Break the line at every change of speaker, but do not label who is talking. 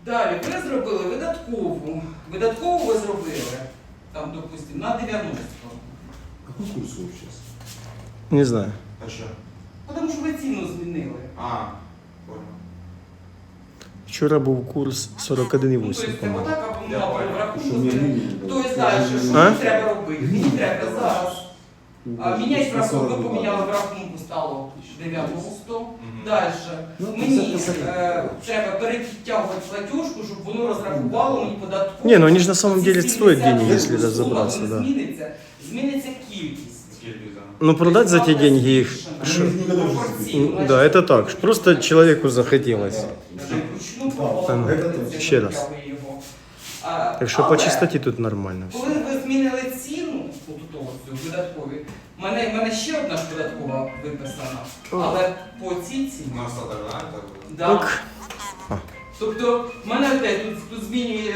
Далі, ви зробили видаткову. Видаткову ви зробили, там, допустимо, на 90.
Какой курс у вас сейчас?
Не знаю.
А что?
Тому що ви ціну змінили.
А, понял.
Вчора був курс
Ну,
41,8,
тобто,
по-моєму.
отак,
Я
або
понял.
в рахунку.
Що мені
Тобто, далі, що
А?
мені треба робити? Мені треба зараз. Міняти в рахунку, ви поміняли в рахунку, стало 90. Далі. Мені треба перетягувати платіжку, щоб воно розрахувало мені податкову.
Не, ну они же на самом деле
Ці
стоят
70
денег, если
сума
разобраться,
не
да.
Зміниться кількість.
Скільки, да.
Ну продать за те деньги их...
Що?
Да, это так. Просто человеку захотелось.
Вручну
Там,
проводити,
ще раз.
забрали його.
Так что по
Але
чистоте тут нормально все.
коли ви змінили ціну, цю видаткові, в мене ще одна ж податкова виписана, але по цій ціні.
У нас остаток, да?
Да.
Ок.
Тобто в мене опять тут змінює